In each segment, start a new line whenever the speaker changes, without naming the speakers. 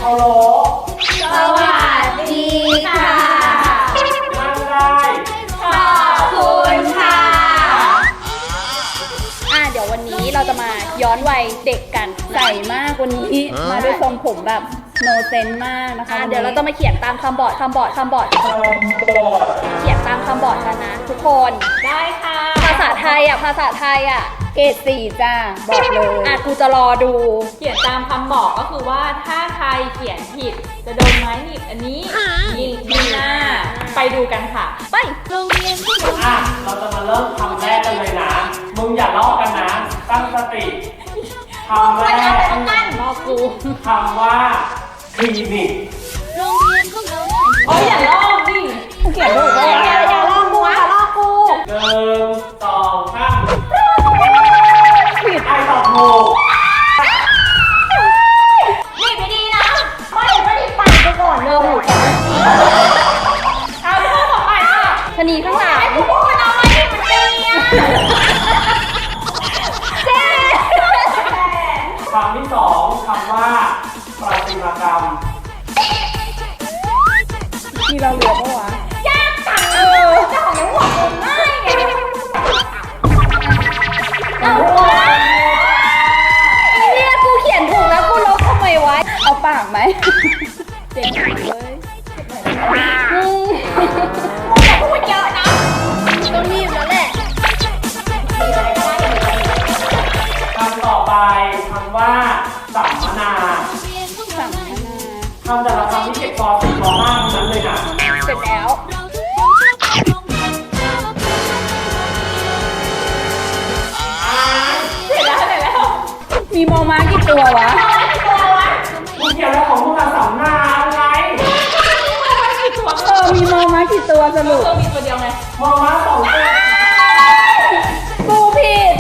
ฮัลโหล
สวัสดีค่ะ
นั่งได้
ขอบคุณค่ะ
เดี๋ยววันนี้เราจะมาย้อนวัยเด็กกันใส่มากวันนี้มาด้วยทรงผมแบบโนเซนมากนะคะเดี๋ยวเราจะมาเขียนตามคำบอร์ดเขียนตามคำบอร์ดกันนะทุกคน
ได้ค่ะ
ภาษาไทยเกรด 4จ้าบอกเลยกูจะรอดู
เขียนตามคำบอกก็คือว่าถ้าใครเขียนผิดจะโดนไม้หนีบอันนี้หนีบที่หน้าไปดูกันค่ะ
ไปโรงเรียน
เราจะมาเริ่มคำแรกกันเลยนะมึงอย่าลอกกันนะตั้งสติคำแรก
ลอกกู
คำว่าคลินิก
โรงเรียนของเราอย่าลอกดิ
กูเขียนถูกเลยอย่าลอกกู
1 2 3ผิดไอตอบถูก
นี่ไปดีนะไม่ได้ปัดไปก่อนเลยเอาพูดต่อไปค่ะ
ชนีข้างหลัง
พูดเอาไว้ที่มันดีอ่ะ
คำที่2คำว่าประติมากรรม
มีเราเหลือปะวะ
ยากจังเจ้าของหัวผมง่ายไง
เนี่ยกูเขียนถูกแล้วกูลบทำไมวะเอาปากไหมเจ็บเลย
อย่าพูดเยอะนะ
ต้องรีบแล้วแหละ
คำต่อไปคำว่าสัมมนาคำแต่ละคำที่เก็บป .4 ป .5 นั้นเลยนะ
เสร็จแล้วมีมอม้ากี่ตัววะ
มึงเขียนอะไรของมึงอะสัมมนาอะไร
มีมอม้ากี่ตัวสรุป
มีตัวเดียวไง
มอม้า2 ตัว
กูผิด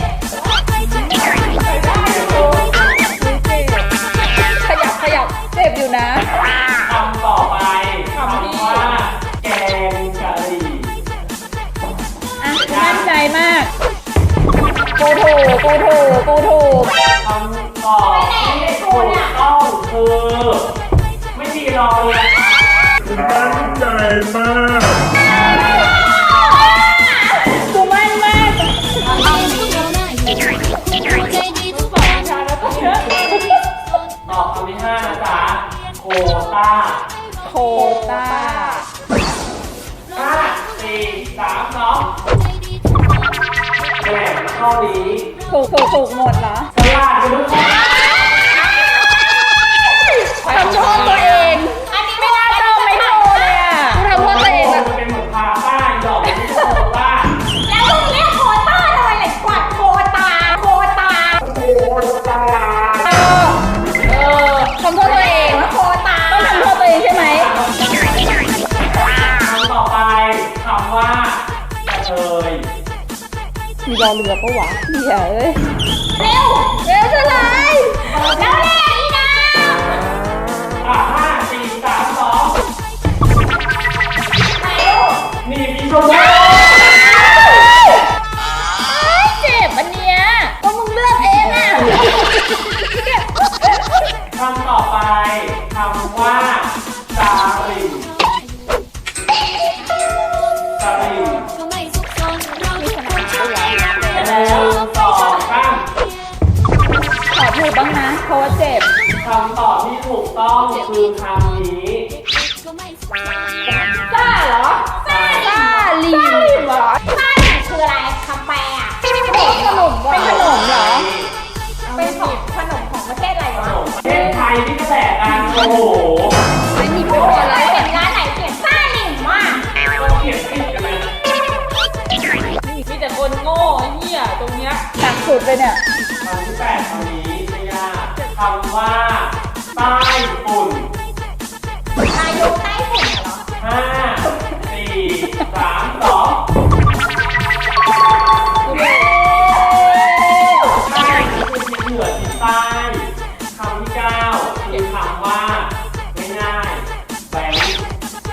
ขยับเจ็บอยู่นะ
คำต่อไปคำว่าแกงกะหรี่
มั่นใจมากกูถูก
คำตอบที่ถูกต้องคือไม่มีรอเลย
มั่นใจมาก
กูมั่นมาก
ตอบคำที่5นะจ๊ะโควต้า5 4 3 2แหมข้อนี้
ถูกหมดเหรอ
ฉลาดกันทุกคน
ทำโทษตัวเอง
อันนี้ไม่น่า
ทำไม่โทษเลยอ่ะกูทำโทษตัวเอง
มันเป็นเหมือนพาต้าดอกที่โคต้า
แล้วมึงเรียกโคต้าทำไมเลยกวาดโคตา
ทำโทษตัวเอง
โคตา
ต้องทำโทษตัวเองใช่ไหม
คำต่อไปคำว่ากระเทย
มีรอเรือปะวะเหี้ยเอ้ย
เร็ว
เท่าไหร่
แล้วแน่อีนะ
5 4 3 2นี่มีชมพู
เจ็บอันเนี้ยก็มึงเลือกเองอ่ะ
คำต่อไปคำว่าจารินแล้วต่อข้าม
ขอถูกบ้างนะเพราะว่าเจ็บ
คำตอบที่ถูกต้องคือคำนี้
ซ่าเหรอ
ซ่าลี
เหรอซ่าคืออะไรคำแปลอ่ะ
เป็นขนมเหรอ
เป็นของขนมของประเทศอะไรวะ
ประเทศไทยที่กระแสกันโอ้โห
ไม่มีพูดอะไร
เห็นร้านไหนเขียนซ่าหนิมมาก
ก็เขียนผิดกันเลย
มีแต่คนโง่เหี้ยตรงเนี้ย
หนักสุดเลยเนี่ย
คำที่8คำนี้ไม่ยากคำว่าใต้ฝุ่น
อายุใต้ฝุ่นเหรอ
5 4 3 2ใต้คือทิศเหนือทิศใต้คำที่9คือคำว่าง่ายๆแบงค์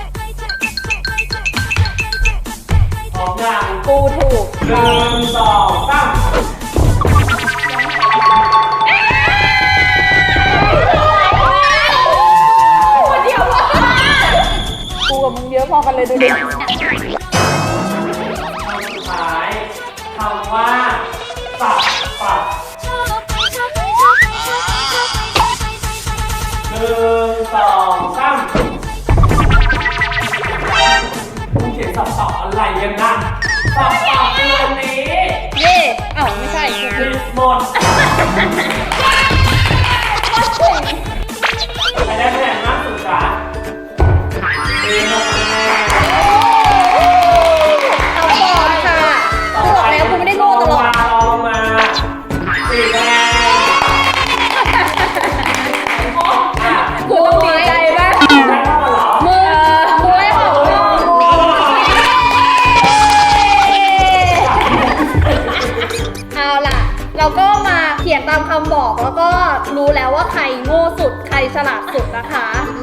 พร้อมยัง
กูถูก
1 2 3 อะไรกันนะตอบคืออันนี้
เย่เอ้าไม่ใช่คือ
ผิดหมดใครได้คะแนนมากสุดจ๊ะมี6คะแนน
เอาก่อนค่ะกูบอกแล้วกูไม่ได้โง่ตลอด
ลองมา4คะแนน
กูต้องดีใจมาก
ได้เข้ามาเหรอ
มือกูได้ของเอาล่ะ เราก็มาเขียนตามคำบอกแล้วก็รู้แล้วว่าใครโง่สุดใครฉลาดสุดนะคะ